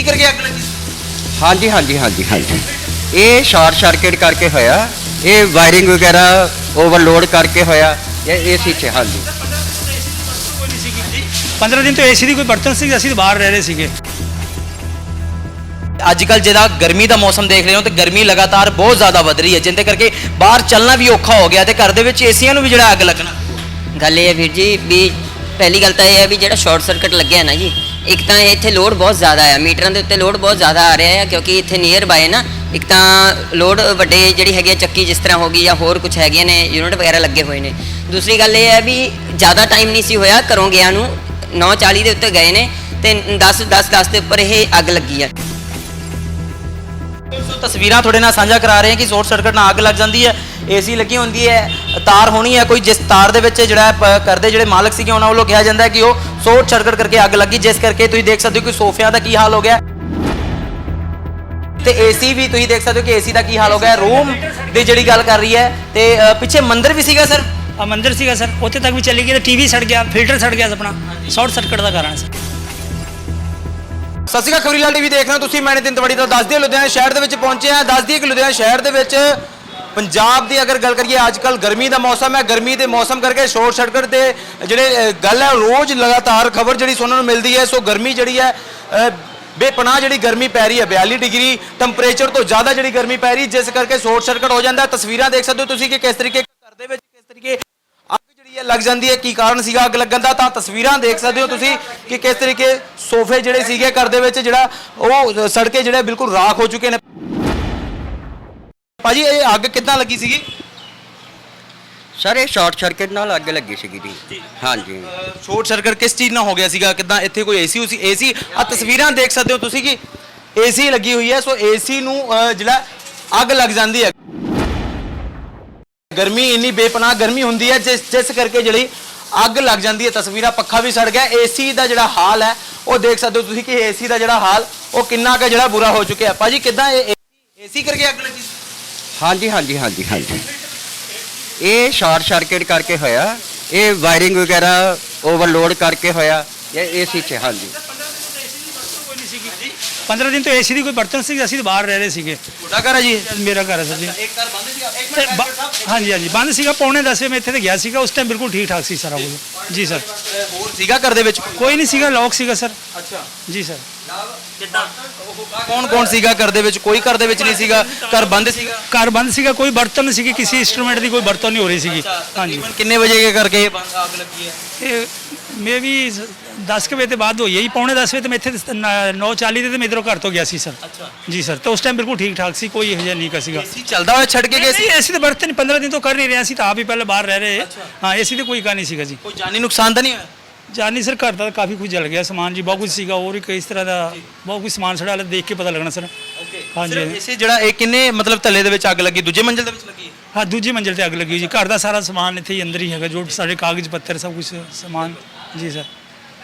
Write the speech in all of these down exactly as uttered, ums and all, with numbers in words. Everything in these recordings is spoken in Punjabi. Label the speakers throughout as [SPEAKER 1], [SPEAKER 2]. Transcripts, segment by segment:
[SPEAKER 1] एसी करके अग लगी?
[SPEAKER 2] हाँ जी हाँ जी हाँ जी हाँ जी ये शॉर्ट सर्किट करके होया, ये वायरिंग वगैरह ओवरलोड करके होया, ये एसी च। हाँ जी
[SPEAKER 3] पंद्रह दिन तो एसी की कोई बर्तन सी, असीं बाहर रह रहे सीगे।
[SPEAKER 1] अजकल जिहड़ा गर्मी का मौसम देख रहे हो तो गर्मी लगातार बहुत ज़्यादा वध रही है, जिंदे करके बाहर चलना भी औखा हो गया, तो घर दे विच एसीआं नूं भी जिहड़ा अग लगना।
[SPEAKER 4] गल ये वीर जी भी पहली गल तो यह है भी जो शॉर्ट सर्किट लगे है ना जी, एक तो इतने लोड बहुत ज़्यादा है, मीटर के उत्ते लोड बहुत ज़्यादा आ रहा है, क्योंकि इतने नीयर बाय ना एक तो लोड वड्डे जी है चक्की जिस तरह होगी या होर कुछ है ने यूनिट वगैरह लगे हुए हैं। दूसरी गल ये है भी ज़्यादा टाइम नहीं सी होया घरों गया नूं, नौ चाली के उत्ते गए ने तो दस दस दस के उपर यह अग लगी है।
[SPEAKER 1] तस्वीरां थोड़े नाल साझा करा रहे हैं कि शॉर्ट सर्किट नाल अग लग जाती है, एसी लगी होंदी है, तार होनी है कोई, जिस तार दे विच जिहड़ा करदे जिहड़े मालक सीगे उन्हां वल्लों कहा जाता है कि वो शॉर्ट सर्किट करके अग लगी, जिस करके तुसीं देख सकते हो कि सोफियां दा की हाल हो गया, ते एसी भी तुसीं देख सकते हो कि एसी दा की हाल हो गया। रूम दी जिहड़ी गल कर रही है ते पिछे मंदिर भी सीगा सर,
[SPEAKER 3] आ मंदिर सीगा सर, उत्थे तक भी चली गई, तो टीवी सड़ गया, फिल्टर सड़ गया अपना, शॉर्ट सर्किट का कारण सर।
[SPEAKER 1] ਸਤਿ ਸ਼੍ਰੀ ਅਕਾਲ, ਖਬਰੀਲਾਲ ਟੀਵੀ ਦੇਖ ਰਹੇ ਹੋ ਤੁਸੀਂ, ਮੈਂ ਨਿਤਿਨ ਤਿਵਾੜੀ ਤੋਂ। ਦੱਸ ਦਈਏ ਲੁਧਿਆਣਾ ਸ਼ਹਿਰ ਦੇ ਵਿੱਚ ਪਹੁੰਚੇ ਹਾਂ। ਦੱਸ ਦਈਏ ਕਿ ਲੁਧਿਆਣਾ ਸ਼ਹਿਰ ਦੇ ਵਿੱਚ ਪੰਜਾਬ ਦੀ ਅਗਰ ਗੱਲ ਕਰੀਏ, ਅੱਜ ਕੱਲ ਗਰਮੀ ਦਾ ਮੌਸਮ ਹੈ, ਗਰਮੀ ਦੇ ਮੌਸਮ ਕਰਕੇ ਸ਼ੋਰਟ ਸਰਕਟ ਦੇ ਜਿਹੜੇ ਗੱਲ ਹੈ ਰੋਜ਼ ਲਗਾਤਾਰ ਖਬਰ ਜਿਹੜੀ ਸੁਣਨ ਨੂੰ ਮਿਲਦੀ ਹੈ। ਸੋ ਗਰਮੀ ਜਿਹੜੀ ਹੈ ਬੇਪਨਾਹ ਜਿਹੜੀ ਗਰਮੀ ਪੈ ਰਹੀ ਹੈ, ਬਿਆਲੀ ਡਿਗਰੀ ਟੈਂਪਰੇਚਰ ਤੋਂ ਜ਼ਿਆਦਾ ਜਿਹੜੀ ਗਰਮੀ ਪੈ ਰਹੀ, ਜਿਸ ਕਰਕੇ ਸ਼ੋਰਟ ਸਰਕਟ ਹੋ ਜਾਂਦਾ। ਤਸਵੀਰਾਂ ਦੇਖ ਸਕਦੇ ਹੋ ਤੁਸੀਂ ਕਿ ਕਿਸ ਤਰੀਕੇ ਘਰ ਦੇ ਵਿੱਚ ਕਿਸ ਤਰੀਕੇ लग जाती है, की कारण सीगा अग लगन दा। तां तस्वीरां देख सकते हो तुसी कि किस तरीके सोफे जिहड़े सीगे घर दे विच जिहड़ा ओह सड़ के जिहड़े बिल्कुल राख हो चुके ने। भाजी ये अग किद्दां लगी सीगी?
[SPEAKER 2] सर ये शॉर्ट सर्किट नाल अग लगी सीगी जी। हाँ जी
[SPEAKER 1] शॉर्ट सर्किट किस चीज़ नाल हो गया सीगा? किद्दां इत्थे कोई एसी उसी एसी आ तस्वीरां देख सकते हो तुसी कि एसी लगी हुई है। सो एसी नूं जिहड़ा अग लग जाती है, गर्मी इन्नी बेपनाह गर्मी होंदी है जिस जिस करके जिहड़ी अग लग जाती है। तस्वीरां पक्खा भी सड़ गया, एसी का जिहड़ा हाल है वो देख सकते हो तुसीं कि एसी का जिहड़ा हाल वो किन्ना का जिहड़ा बुरा हो चुका है। भाजी किद्दां एसी करके अग लगी?
[SPEAKER 2] हाँ जी हाँ जी हाँ जी हाँ जी ये शॉर्ट सर्किट करके होया, ये वायरिंग वगैरह ओवरलोड करके होया, ये एसी च। हाँ जी
[SPEAKER 3] पंद्रह दिन तो एसी की कोई बर्तन सी, असीं बाहर रह रहे सीगे।
[SPEAKER 1] ਤੁਹਾਡਾ ਘਰ ਹੈ ਜੀ?
[SPEAKER 3] मेरा घर है सर जी।
[SPEAKER 1] ਇੱਕ ਘਰ ਬੰਦ ਸੀਗਾ, ਇੱਕ
[SPEAKER 3] ਤੇ ਬ- ਹਾਂਜੀ ਹਾਂਜੀ ਬੰਦ ਸੀਗਾ, ਪੌਣੇ ਦਸ ਵਜੇ ਮੈਂ ਇੱਥੇ ਤੇ ਗਿਆ ਸੀਗਾ, ਉਸ ਟਾਈਮ ਬਿਲਕੁਲ ਠੀਕ ਠਾਕ ਸੀ ਸਾਰਾ ਕੁਝ ਜੀ ਸਰ।
[SPEAKER 1] ਹੋਰ ਸੀਗਾ ਘਰ ਦੇ ਵਿੱਚ?
[SPEAKER 3] ਕੋਈ ਨਹੀਂ ਸੀਗਾ, ਲੌਕ ਸੀਗਾ ਸਰ
[SPEAKER 1] ਅੱਛਾ
[SPEAKER 3] ਜੀ ਸਰ।
[SPEAKER 1] ਕੌਣ ਕੌਣ ਸੀਗਾ ਘਰ ਦੇ ਵਿੱਚ? ਕੋਈ ਘਰ ਦੇ ਵਿੱਚ ਨਹੀਂ ਸੀਗਾ, ਘਰ ਬੰਦ ਸੀਗਾ।
[SPEAKER 3] ਘਰ ਬੰਦ ਸੀਗਾ, ਕੋਈ ਬਰਤਨ ਨਹੀਂ ਸੀਗੇ, ਕਿਸੇ ਇੰਸਟਰੂਮੈਂਟ ਦੀ ਕੋਈ ਵਰਤੋਂ ਨਹੀਂ ਹੋ ਰਹੀ ਸੀਗੀ। ਹਾਂਜੀ
[SPEAKER 1] ਕਿੰਨੇ ਵਜੇ ਕੇ ਕਰਕੇ ਇਹ ਬੰਦ ਅੱਗ ਲੱਗੀ ਹੈ?
[SPEAKER 3] ਇਹ ਮੇ ਵੀ दस के बजे बाद होई है जी, पौने दस बजे तो मैं इतने नौ चाली से मैं इधरों घर तो गया सी सर।
[SPEAKER 1] अच्छा
[SPEAKER 3] जी सर, तो उस टाइम बिल्कुल ठीक ठाक सी, कोई यह नहीं का सीगा।
[SPEAKER 1] एसी चलदा होया छड़ के गए सी?
[SPEAKER 3] एसी तो बर्तन नहीं, पंद्रह दिन तो कर नहीं रहे सी, तो आप ही पहले बाहर रह रहे। हाँ एसी तो कोई का नहीं सीगा जी।
[SPEAKER 1] कोई जानी नुकसान तो नहीं होया?
[SPEAKER 3] जानी सर घर का काफ़ी कुछ जल गया सामान जी, बहुत कुछ सीगा, और भी कई तरह का बहुत कुछ समान सड़ा, देख के पता लगना सर। हाँ जी
[SPEAKER 1] एसी जड़ा एक किन्ने मतलब थल्ले दे विच अग लगी, दूजे मंजिल दे विच लगी?
[SPEAKER 3] हाँ दूजी मंजिल से अग लगी जी। घर का सारा समान इतने ही अंदर ही है, जो सारे कागज पत्तर सब कुछ समान जी सर।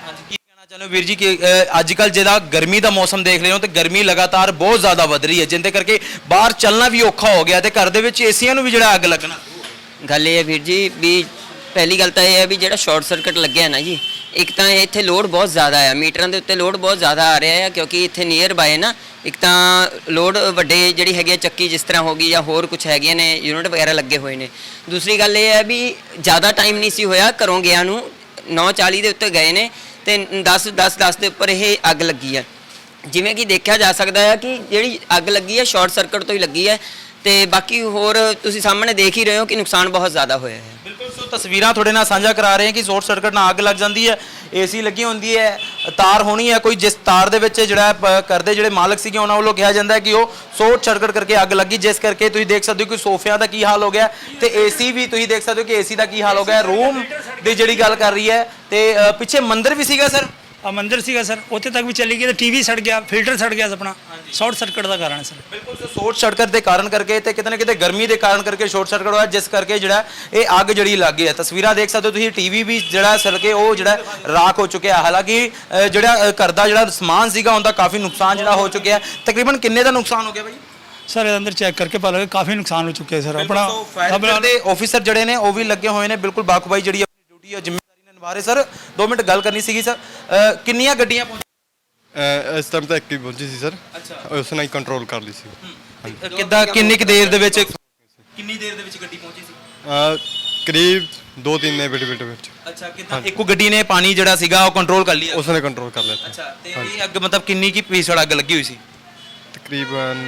[SPEAKER 1] चलो वीर जी कि अजकल जिहड़ा गर्मी का मौसम देख रहे हो तो गर्मी लगातार बहुत ज़्यादा वध रही है, जिंदे करके बाहर चलना भी औखा हो गया, तो घर दे विच एसीआं नूं भी जिहड़ा अग लगना।
[SPEAKER 4] गल ये वीर जी भी पहली गल तो यह है भी जो शॉर्ट सर्किट लगे है ना जी, एक तो इतने लोड बहुत ज़्यादा है, मीटर के उत्ते लोड बहुत ज़्यादा आ रहा है, क्योंकि इतने नीयर बाय ना एक तो लोड वड्डे जी है चक्की जिस तरह होगी या होर कुछ है ने यूनिट वगैरह लगे हुए हैं। दूसरी गल ये है भी ज़्यादा टाइम नहीं सी होया घरों गया नूं, नौ चाली के उत्ते गए ने ਤੇ दस दस दस ਦੇ ਉੱਪਰ ਇਹ ਅੱਗ ਲੱਗੀ ਹੈ। ਜਿਵੇਂ ਕਿ ਦੇਖਿਆ ਜਾ ਸਕਦਾ ਹੈ ਕਿ ਜਿਹੜੀ ਅੱਗ ਲੱਗੀ ਹੈ ਸ਼ਾਰਟ ਸਰਕਟ ਤੋਂ ਹੀ ਲੱਗੀ ਹੈ, ਤੇ ਬਾਕੀ ਹੋਰ ਤੁਸੀਂ ਸਾਹਮਣੇ ਦੇਖ ਹੀ ਰਹੇ ਹੋ ਕਿ ਨੁਕਸਾਨ ਬਹੁਤ ਜ਼ਿਆਦਾ ਹੋਇਆ ਹੈ।
[SPEAKER 1] ਬਿਲਕੁਲ ਸੋ ਤਸਵੀਰਾਂ ਤੁਹਾਡੇ ਨਾਲ ਸਾਂਝਾ ਕਰਾ ਰਹੇ ਹਾਂ ਕਿ ਸ਼ਾਰਟ ਸਰਕਟ ਨਾਲ ਅੱਗ ਲੱਗ ਜਾਂਦੀ ਹੈ, ਏਸੀ ਲੱਗੀ ਹੁੰਦੀ ਹੈ, ਤਾਰ ਹੋਣੀ ਹੈ ਕੋਈ, ਜਿਸ ਤਾਰ ਦੇ ਵਿੱਚ ਜਿਹੜਾ ਕਰਦੇ ਜਿਹੜੇ ਮਾਲਕ ਸੀਗੇ ਉਹਨਾਂ ਵੱਲੋਂ ਕਿਹਾ ਜਾਂਦਾ ਹੈ ਕਿ ਉਹ ਸ਼ਾਰਟ ਸਰਕਟ ਕਰਕੇ ਅੱਗ ਲੱਗੀ, ਜਿਸ ਕਰਕੇ ਤੁਸੀਂ ਦੇਖ ਸਕਦੇ ਹੋ ਕਿ ਸੋਫਿਆਂ ਦਾ ਕੀ ਹਾਲ ਹੋ ਗਿਆ, ਤੇ ਏਸੀ ਵੀ ਤੁਸੀਂ ਦੇਖ ਸਕਦੇ ਹੋ ਕਿ ਏਸੀ ਦਾ ਕੀ ਹਾਲ ਹੋ ਗਿਆ। ਰੂਮ ਦੀ ਜਿਹੜੀ ਗੱਲ ਕਰ ਰਹੀ ਹੈ ਤੇ ਪਿੱਛੇ ਮੰਦਿਰ ਵੀ ਸੀਗਾ ਸਰ।
[SPEAKER 3] ਆ ਮੰਦਿਰ ਸੀਗਾ ਸਰ, ਉੱਥੇ ਤੱਕ ਵੀ ਚਲੀ ਗਈ, ਤੇ ਟੀਵੀ ਸੜ ਗਿਆ, ਫਿਲਟਰ ਸੜ ਗਿਆ ਆਪਣਾ, ਸ਼ਾਰਟ ਸਰਕਟ ਦਾ ਕਾਰਨ ਸਰ।
[SPEAKER 1] ਬਿਲਕੁਲ ਸੋ ਸ਼ਾਰਟ ਸਰਕਟ ਦੇ ਕਾਰਨ ਕਰਕੇ ਤੇ ਕਿਤੇ ਨਾ ਕਿਤੇ ਗਰਮੀ ਦੇ ਕਾਰਨ ਕਰਕੇ ਸ਼ਾਰਟ ਸਰਕਟ ਹੋਇਆ, ਜਿਸ ਕਰਕੇ ਜਿਹੜਾ ਇਹ ਅੱਗ ਜਿਹੜੀ ਲੱਗ ਗਈ ਹੈ। ਤਸਵੀਰਾਂ ਦੇਖ ਸਕਦੇ ਹੋ ਤੁਸੀਂ, ਟੀਵੀ ਵੀ ਜਿਹੜਾ ਸੜ ਕੇ ਉਹ ਜਿਹੜਾ ਰਾਖ ਹੋ ਚੁੱਕਿਆ। ਹਾਲਾਂਕਿ ਜਿਹੜਾ ਘਰ ਦਾ ਜਿਹੜਾ ਸਮਾਨ ਸੀਗਾ ਉਹਦਾ ਕਾਫੀ ਨੁਕਸਾਨ ਜਿਹੜਾ ਹੋ ਚੁੱਕਿਆ। ਤਕਰੀਬਨ ਕਿੰਨੇ ਦਾ ਨੁਕਸਾਨ ਹੋ ਗਿਆ ਭਾਈ?
[SPEAKER 3] सर अंदर चेक करके पता लगे काफ़ी नुकसान हो चुके हैं सर। अपना
[SPEAKER 1] अपना ਦੇ ਆਫੀਸਰ ਜਿਹੜੇ ਨੇ ਉਹ ਵੀ ਲੱਗੇ ਹੋਏ ਨੇ, ਬਿਲकुल ਬਾਖੂਬਾਈ ਜਿਹੜੀ ਆਪਣੀ ਡਿਊਟੀ ਹੈ ਜ਼ਿੰਮੇਵਾਰੀ ਨਾਲ ਨਿਭਾ ਰਹੇ। ਸਰ ਦੋ ਮਿੰਟ ਗੱਲ ਕਰਨੀ ਸੀਗੀ ਸਰ, ਕਿੰਨੀਆਂ ਗੱਡੀਆਂ
[SPEAKER 5] ਅਹ ਇਸ ਟਾਈਮ ਤਾਂ ਇੱਕ ਹੀ ਪਹੁੰਚੀ ਸੀ ਸਰ।
[SPEAKER 1] ਅੱਛਾ।
[SPEAKER 5] ਉਸ ਨਾਲ ਹੀ ਕੰਟਰੋਲ ਕਰ ਲਈ ਸੀ।
[SPEAKER 1] ਕਿੱਦਾਂ ਕਿੰਨੀ ਕੁ ਦੇਰ ਦੇ ਵਿੱਚ ਕਿੰਨੀ ਦੇਰ ਦੇ ਵਿੱਚ ਗੱਡੀ ਪਹੁੰਚੀ ਸੀ?
[SPEAKER 5] ਅਹ ਕਰੀਬ ਦੋ ਤਿੰਨ ਨੇ ਬਿਟ ਬਿਟ ਵਿੱਚ
[SPEAKER 1] ਅੱਛਾ, ਕਿੱਦਾਂ ਇੱਕੋ ਗੱਡੀ ਨੇ ਪਾਣੀ ਜਿਹੜਾ ਸੀਗਾ ਉਹ ਕੰਟਰੋਲ ਕਰ ਲਿਆ?
[SPEAKER 5] ਉਸ ਨੇ ਕੰਟਰੋਲ ਕਰ ਲਿਆ ਸੀ।
[SPEAKER 1] ਅੱਛਾ, ਤੇ ਇਹ ਅੱਗ ਮਤਲਬ ਕਿੰਨੀ ਕੀ ਭੀਸ਼ਣ ਅੱਗ ਲੱਗੀ ਹੋਈ ਸੀ?
[SPEAKER 5] ਤਕਰੀਬਨ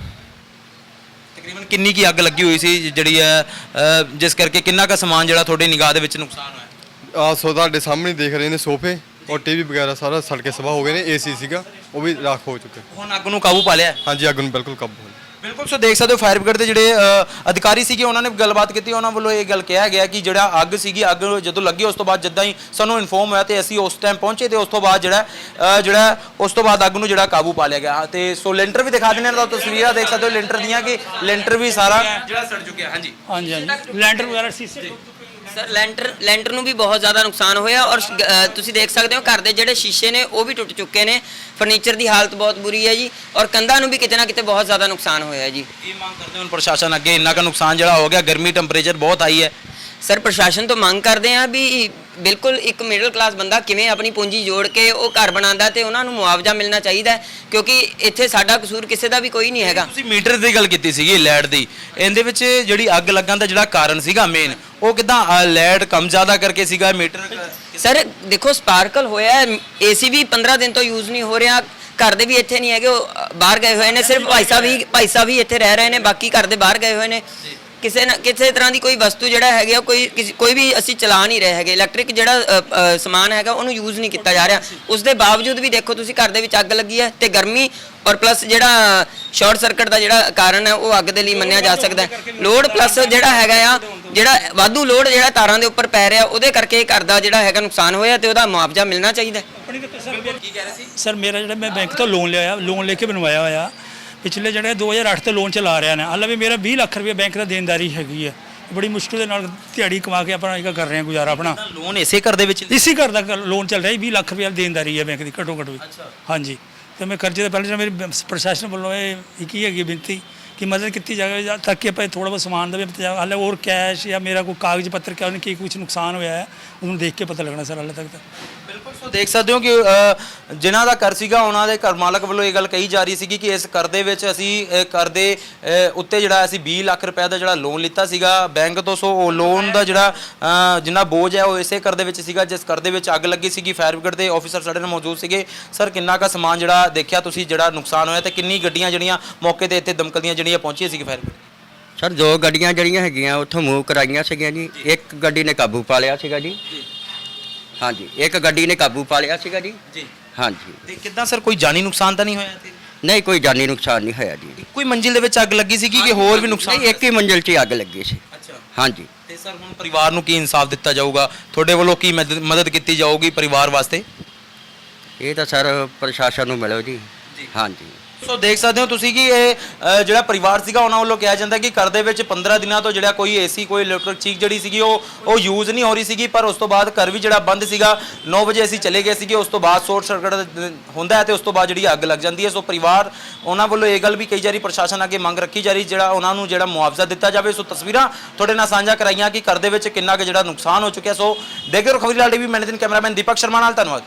[SPEAKER 1] ਤਕਰੀਬਨ ਕਿੰਨੀ ਕੀ ਅੱਗ ਲੱਗੀ ਹੋਈ ਸੀ ਜਿਹੜੀ ਹੈ ਅ, ਜਿਸ ਕਰਕੇ ਕਿੰਨਾ ਕੁ ਸਮਾਨ ਜਿਹੜਾ ਤੁਹਾਡੀ ਨਿਗਾਹ ਦੇ ਵਿੱਚ ਨੁਕਸਾਨ ਹੋਇਆ?
[SPEAKER 5] ਆਹ ਸੋ ਤੁਹਾਡੇ ਸਾਹਮਣੇ ਦੇਖ ਰਹੇ ਨੇ ਸੋਫੇ ਔਰ ਟੀਵੀ ਵਗੈਰਾ ਸਾਰਾ ਸੜ ਕੇ ਸਵਾਹ ਹੋ ਗਏ ਨੇ। ਏਸੀ ਸੀਗਾ ਉਹ ਵੀ ਰਾਖ ਹੋ ਚੁੱਕੇ।
[SPEAKER 1] ਹੁਣ ਅੱਗ ਨੂੰ ਕਾਬੂ ਪਾ ਲਿਆ?
[SPEAKER 5] ਹਾਂਜੀ, ਅੱਗ ਨੂੰ ਬਿਲਕੁਲ ਕਾਬੂ ਹੋ ਗਿਆ।
[SPEAKER 1] ਬਿਲਕੁਲ। ਸੋ ਦੇਖ ਸਕਦੇ ਹੋ ਫਾਇਰ ਬ੍ਰਿਗੇਡ ਦੇ ਜਿਹੜੇ ਅ, ਅਧਿਕਾਰੀ ਸੀਗੇ ਉਹਨਾਂ ਨੇ ਗੱਲਬਾਤ ਕੀਤੀ। ਉਹਨਾਂ ਵੱਲੋਂ ਇਹ ਗੱਲ ਕਿਹਾ ਗਿਆ ਕਿ ਜਿਹੜਾ ਅੱਗ ਸੀਗੀ, ਅੱਗ ਜਦੋਂ ਲੱਗੀ ਉਸ ਤੋਂ ਬਾਅਦ ਜਿੱਦਾਂ ਹੀ ਸਾਨੂੰ ਇਨਫੋਰਮ ਹੋਇਆ ਤੇ ਅਸੀਂ ਉਸ ਟਾਈਮ ਪਹੁੰਚੇ ਤੇ ਉਸ ਤੋਂ ਬਾਅਦ ਜਿਹੜਾ ਅ, ਜਿਹੜਾ ਉਸ ਤੋਂ ਬਾਅਦ ਅੱਗ ਨੂੰ ਜਿਹੜਾ ਕਾਬੂ ਪਾ ਲਿਆ ਗਿਆ। ਤੇ ਸੋ ਲੈਂਟਰ ਵੀ ਦਿਖਾ ਦਿੰਦੇ ਹਾਂ, ਤਾਂ ਤਸਵੀਰਾਂ ਦੇਖ ਸਕਦੇ ਹੋ ਲੈਂਟਰ ਦੀਆਂ ਕਿ ਲੈਂਟਰ ਵੀ ਸਾਰਾ ਜਿਹੜਾ ਸੜ ਚੁੱਕਿਆ। ਹਾਂਜੀ
[SPEAKER 3] ਹਾਂਜੀ ਹਾਂਜੀ ਲੈਂਟਰ ਵਗੈਰਾ ਸੀਸੇ
[SPEAKER 4] ਸਰ ਲੈਂਟਰ ਲੈਂਟਰ ਨੂੰ ਵੀ ਬਹੁਤ ਜ਼ਿਆਦਾ ਨੁਕਸਾਨ ਹੋਇਆ ਔਰ ਅ, ਤੁਸੀਂ ਦੇਖ ਸਕਦੇ ਹੋ ਘਰ ਦੇ ਜਿਹੜੇ ਸ਼ੀਸ਼ੇ ਨੇ ਉਹ ਵੀ ਟੁੱਟ ਚੁੱਕੇ ਨੇ। ਫਰਨੀਚਰ ਦੀ ਹਾਲਤ ਬਹੁਤ ਬੁਰੀ ਹੈ ਜੀ ਔਰ ਕੰਧਾਂ ਨੂੰ ਵੀ ਕਿਤੇ ਨਾ ਕਿਤੇ ਬਹੁਤ ਜ਼ਿਆਦਾ ਨੁਕਸਾਨ ਹੋਇਆ ਜੀ।
[SPEAKER 1] ਇਹ ਮੰਗ ਕਰਦੇ ਹਾਂ ਪ੍ਰਸ਼ਾਸਨ ਅੱਗੇ, ਇੰਨਾ ਕੁ ਨੁਕਸਾਨ ਜਿਹੜਾ ਹੋ ਗਿਆ, ਗਰਮੀ ਟੈਂਪਰੇਚਰ ਬਹੁਤ ਹਾਈ ਹੈ।
[SPEAKER 4] ਸਰ ਪ੍ਰਸ਼ਾਸਨ ਤੋਂ ਮੰਗ ਕਰਦੇ ਆ ਵੀ ਬਿਲਕੁਲ ਇੱਕ ਮਿਡਲ ਕਲਾਸ ਬੰਦਾ ਕਿਵੇਂ ਆਪਣੀ ਪੂੰਜੀ ਜੋੜ ਕੇ ਉਹ ਘਰ ਬਣਾਉਂਦਾ ਤੇ ਉਹਨਾਂ ਨੂੰ ਮੁਆਵਜ਼ਾ ਮਿਲਣਾ ਚਾਹੀਦਾ ਹੈ, ਕਿਉਂਕਿ ਇੱਥੇ ਸਾਡਾ ਕਸੂਰ ਕਿਸੇ ਦਾ ਵੀ ਕੋਈ ਨਹੀਂ ਹੈਗਾ।
[SPEAKER 1] ਤੁਸੀਂ ਮੀਟਰ ਦੀ ਗੱਲ ਕੀਤੀ ਸੀਗੀ ਲਾਈਟ ਦੀ, ਇਹਦੇ ਵਿੱਚ ਜਿਹੜੀ ਅੱਗ ਲੱਗਣ ਦਾ ਜਿਹੜਾ ਕਾਰਨ ਸੀਗਾ ਮੇਨ ਉਹ ਕਿਦਾਂ ਲਾਈਟ ਕਮ ਜ਼ਿਆਦਾ ਕਰਕੇ ਸੀਗਾ? ਮੀਟਰ
[SPEAKER 4] ਸਰ ਦੇਖੋ ਸਪਾਰਕਲ ਹੋਇਆ, ਏਸੀ ਵੀ ਪੰਦਰਾਂ ਦਿਨ ਤੋਂ ਯੂਜ਼ ਨਹੀਂ ਹੋ ਰਿਹਾ, ਘਰ ਦੇ ਵੀ ਇੱਥੇ ਨਹੀਂ ਹੈਗੇ, ਉਹ ਅ, ਬਾਹਰ ਗਏ ਹੋਏ ਨੇ। ਸਿਰਫ ਭਾਈ ਸਾਹਿਬ ਹੀ ਭਾਈ ਸਾਹਿਬ ਹੀ ਇੱਥੇ ਰਹਿ ਰਹੇ ਨੇ, ਬਾਕੀ ਘਰ ਦੇ ਬਾਹਰ ਗਏ ਹੋਏ ਨੇ। ਕਿਸੇ ਨਾ ਕਿਸੇ ਤਰ੍ਹਾਂ ਦੀ ਕੋਈ ਵਸਤੂ ਜਿਹੜਾ ਹੈਗੀ ਆ ਕੋਈ ਕਿਸ- ਕੋਈ ਵੀ ਅਸੀਂ ਚਲਾ ਨਹੀਂ ਰਹੇ ਹੈਗੇ। ਇਲੈਕਟ੍ਰਿਕ ਜਿਹੜਾ ਅ, ਅ, ਸਮਾਨ ਹੈਗਾ ਉਹਨੂੰ ਯੂਜ਼ ਨਹੀਂ ਕੀਤਾ ਜਾ ਰਿਹਾ। ਉਸ ਦੇ ਬਾਵਜੂਦ ਵੀ ਦੇਖੋ ਤੁਸੀਂ ਘਰ ਦੇ ਵਿੱਚ ਅੱਗ ਲੱਗੀ ਹੈ ਤੇ ਗਰਮੀ ਔਰ ਪਲੱਸ ਜਿਹੜਾ ਸ਼ਾਰਟ ਸਰਕਟ ਦਾ ਜਿਹੜਾ ਕਾਰਨ ਹੈ ਉਹ ਅੱਗ ਦੇ ਲਈ ਮੰਨਿਆ ਜਾ ਸਕਦਾ ਹੈ। ਲੋਡ ਪਲੱਸ ਜਿਹੜਾ ਹੈਗਾ ਆ ਜਿਹੜਾ ਵਾਧੂ ਲੋਡ ਜਿਹੜਾ ਤਾਰਾਂ ਦੇ ਉੱਪਰ ਪੈ ਰਿਹਾ ਉਹਦੇ ਕਰਕੇ ਘਰ ਦਾ ਜਿਹੜਾ ਹੈਗਾ ਨੁਕਸਾਨ ਹੋਇਆ ਤੇ ਉਹਦਾ ਮੁਆਵਜ਼ਾ ਮਿਲਣਾ ਚਾਹੀਦਾ।
[SPEAKER 1] ਕੀ ਕਹਿ ਰਹੇ ਸੀ?
[SPEAKER 3] ਸਰ ਮੇਰਾ ਜਿਹੜਾ ਮੈਂ ਬੈਂਕ ਤੋਂ ਲੋਨ ਲਿਆ ਲੋਨ ਲੈ ਕੇ ਬਣਵਾਇਆ ਹੋਇਆ ਪਿਛਲੇ ਜਿਹੜੇ ਦੋ ਹਜ਼ਾਰ ਅੱਠ ਤੋਂ ਲੋਨ ਚਲਾ ਰਿਹਾ ਨੇ। ਹਾਲੇ ਵੀ ਮੇਰਾ ਵੀਹ ਲੱਖ ਰੁਪਏ ਬੈਂਕ ਦਾ ਦੇਣਦਾਰੀ ਹੈਗੀ ਹੈ। ਬੜੀ ਮੁਸ਼ਕਿਲ ਦੇ ਨਾਲ ਦਿਹਾੜੀ ਕਮਾ ਕੇ ਆਪਣਾ ਇਹ ਕਰ ਰਹੇ ਹਾਂ ਗੁਜ਼ਾਰਾ ਆਪਣਾ।
[SPEAKER 1] ਲੋਨ ਇਸੇ ਘਰ ਦੇ ਵਿੱਚ?
[SPEAKER 3] ਇਸੀ ਘਰ ਦਾ ਲੋਨ ਚੱਲ ਰਿਹਾ ਜੀ। ਵੀਹ ਲੱਖ ਰੁਪਏ ਦੇਣਦਾਰੀ ਹੈ ਬੈਂਕ ਦੀ ਘੱਟੋ ਘੱਟ ਵੀ। ਹਾਂਜੀ, ਤੇ ਮੈਂ ਕਰਜ਼ੇ ਤੋਂ ਪਹਿਲਾਂ ਜਿਹੜਾ ਮੇਰੀ ਪ੍ਰਸ਼ਾਸਨ ਵੱਲੋਂ ਇਹ ਇੱਕ ਹੀ ਹੈਗੀ ਬੇਨਤੀ ਕਿ ਮਦਦ ਕੀਤੀ ਜਾਵੇ ਜਾਂ ਤਾਂ ਕਿ ਆਪਾਂ ਥੋੜਾ ਬਹੁਤ ਸਮਾਨ ਦਾ ਵੀ ਇੰਤਜ਼ਾਮ, ਹਾਲੇ ਹੋਰ ਕੈਸ਼ ਜਾਂ ਮੇਰਾ ਕੋਈ ਕਾਗਜ਼ ਪੱਤਰ ਕਿਉਂ ਨਹੀਂ ਕੀ ਕੁਝ ਨੁਕਸਾਨ ਹੋਇਆ ਹੈ ਉਹਨੂੰ ਦੇਖ ਕੇ ਪਤਾ ਲੱਗਣਾ ਸਰ ਹਾਲੇ ਤੱਕ ਤਾਂ।
[SPEAKER 1] ਬਿਲਕੁਲ। ਸੋ ਦੇਖ ਸਕਦੇ ਹੋ ਕਿ ਅ, ਜਿਨ੍ਹਾਂ ਦਾ ਘਰ ਸੀਗਾ ਉਹਨਾਂ ਦੇ ਘਰ ਮਾਲਕ ਵੱਲੋਂ ਇਹ ਗੱਲ ਕਹੀ ਜਾ ਰਹੀ ਸੀਗੀ ਕਿ ਇਸ ਘਰ ਦੇ ਵਿੱਚ ਅਸੀਂ ਅ, ਘਰ ਦੇ ਅ, ਉੱਤੇ ਜਿਹੜਾ ਅਸੀਂ ਵੀਹ ਲੱਖ ਰੁਪਏ ਦਾ ਜਿਹੜਾ ਲੋਨ ਲਿੱਤਾ ਸੀਗਾ ਬੈਂਕ ਤੋਂ। ਸੋ ਉਹ ਲੋਨ ਦਾ ਜਿਹੜਾ ਅ, ਜਿੰਨਾ ਬੋਝ ਹੈ ਉਹ ਇਸੇ ਘਰ ਦੇ ਵਿੱਚ ਸੀਗਾ ਜਿਸ ਘਰ ਦੇ ਵਿੱਚ ਅੱਗ ਲੱਗੀ ਸੀਗੀ। ਫਾਇਰ ਬ੍ਰਿਗੇਡ ਦੇ ਆਫੀਸਰ ਸਾਡੇ ਨਾਲ ਮੌਜੂਦ ਸੀਗੇ। ਸਰ ਕਿੰਨਾ ਕੁ ਸਮਾਨ ਜਿਹੜਾ ਦੇਖਿਆ ਤੁਸੀਂ ਜਿਹੜਾ ਨੁਕਸਾਨ ਹੋਇਆ ਤੇ ਕਿੰਨੀ ਗੱਡੀਆਂ ਜਿਹੜੀਆਂ ਮੌਕੇ ਤੇ ਇੱਥੇ ਦਮਕਲ ਦੀਆਂ ਜਿਹੜੀਆਂ ਪਹੁੰਚੀਆਂ ਸੀਗੀ ਫਾਇਰ ਬ੍ਰਿਗੇਡ?
[SPEAKER 2] ਸਰ ਦੋ ਗੱਡੀਆਂ ਜਿਹੜੀਆਂ ਹੈਗੀਆਂ ਉੱਥੋਂ ਮੂਵ ਕਰਾਈਆਂ ਸੀਗੀਆਂ ਜੀ। ਇੱਕ ਗੱਡੀ ਨੇ ਕਾਬੂ ਪਾ ਲਿਆ ਸੀਗਾ ਜੀ। ਹਾਂਜੀ, ਇੱਕ ਗੱਡੀ ਨੇ ਕਾਬੂ ਪਾ ਲਿਆ ਸੀਗਾ ਜੀ।
[SPEAKER 1] ਜੀ।
[SPEAKER 2] ਹਾਂਜੀ,
[SPEAKER 1] ਤੇ ਕਿੱਦਾਂ ਸਰ ਕੋਈ ਜਾਨੀ ਨੁਕਸਾਨ ਤਾਂ ਨਹੀਂ ਹੋਇਆ ਇੱਥੇ?
[SPEAKER 2] ਨਹੀਂ ਕੋਈ ਜਾਨੀ ਨੁਕਸਾਨ ਨਹੀਂ ਹੋਇਆ ਜੀ।
[SPEAKER 1] ਕੋਈ ਮੰਜ਼ਿਲ ਦੇ ਵਿੱਚ ਅੱਗ ਲੱਗੀ ਸੀਗੀ ਕਿ ਹੋਰ ਵੀ ਨੁਕਸਾਨ?
[SPEAKER 2] ਨਹੀਂ, ਇੱਕ ਹੀ ਮੰਜ਼ਿਲ 'ਚ ਹੀ ਅੱਗ ਲੱਗੀ ਸੀ।
[SPEAKER 1] ਅੱਛਾ।
[SPEAKER 2] ਹਾਂਜੀ,
[SPEAKER 1] ਤੇ ਸਰ ਹੁਣ ਪਰਿਵਾਰ ਨੂੰ ਕੀ ਇਨਸਾਫ ਦਿੱਤਾ ਜਾਊਗਾ? ਤੁਹਾਡੇ ਵੱਲੋਂ ਕੀ ਮਦਦ ਮਦਦ ਕੀਤੀ ਜਾਊਗੀ ਪਰਿਵਾਰ ਵਾਸਤੇ?
[SPEAKER 2] ਇਹ ਤਾਂ ਸਰ ਪ੍ਰਸ਼ਾਸਨ ਨੂੰ ਮਿਲੋ ਜੀ। ਹਾਂਜੀ,
[SPEAKER 1] ਸੋ ਦੇਖ ਸਕਦੇ ਹੋ ਤੁਸੀਂ ਕਿ ਇਹ ਅ, ਜਿਹੜਾ ਪਰਿਵਾਰ ਸੀਗਾ ਉਹਨਾਂ ਵੱਲੋਂ ਕਿਹਾ ਜਾਂਦਾ ਕਿ ਘਰ ਦੇ ਵਿੱਚ ਪੰਦਰਾਂ ਦਿਨਾਂ ਤੋਂ ਜਿਹੜਾ ਕੋਈ ਏਸੀ ਕੋਈ ਇਲੈਕਟ੍ਰਿਕ ਚੀਜ਼ ਜਿਹੜੀ ਸੀਗੀ ਉਹ ਉਹ ਯੂਜ਼ ਨਹੀਂ ਹੋ ਰਹੀ ਸੀਗੀ। ਪਰ ਉਸ ਤੋਂ ਬਾਅਦ ਘਰ ਵੀ ਜਿਹੜਾ ਬੰਦ ਸੀਗਾ। ਨੌ ਵਜੇ ਅਸੀਂ ਚਲੇ ਗਏ ਸੀਗੇ, ਉਸ ਤੋਂ ਬਾਅਦ ਸ਼ਾਰਟ ਸਰਕਟ ਹੁੰਦਾ ਹੈ ਤੇ ਉਸ ਤੋਂ ਬਾਅਦ ਜਿਹੜੀ ਅੱਗ ਲੱਗ ਜਾਂਦੀ ਹੈ। ਸੋ ਪਰਿਵਾਰ ਉਹਨਾਂ ਵੱਲੋਂ ਇਹ ਗੱਲ ਵੀ ਕਹੀ ਜਾ ਰਹੀ, ਪ੍ਰਸ਼ਾਸਨ ਅੱਗੇ ਮੰਗ ਰੱਖੀ ਜਾ ਰਹੀ ਜਿਹੜਾ ਉਹਨਾਂ ਨੂੰ ਜਿਹੜਾ ਮੁਆਵਜ਼ਾ ਦਿੱਤਾ ਜਾਵੇ। ਸੋ ਤਸਵੀਰਾਂ ਤੁਹਾਡੇ ਨਾਲ ਸਾਂਝਾ ਕਰਾਈਆਂ ਕਿ ਘਰ ਦੇ ਵਿੱਚ ਕਿੰਨਾ ਕੁ ਜਿਹੜਾ ਨੁਕਸਾਨ ਹੋ ਚੁੱਕਿਆ। ਸੋ ਦੇਖਦੇ ਰਹੋ ਖਬਰੀਲਾਲ ਟੀਵੀ। ਮੈਂ ਨਿਤਿਨ ਕੈਮਰਾਮੈਨ ਦੀਪਕ ਸ਼ਰਮਾ ਨਾਲ, ਧੰਨਵਾਦ।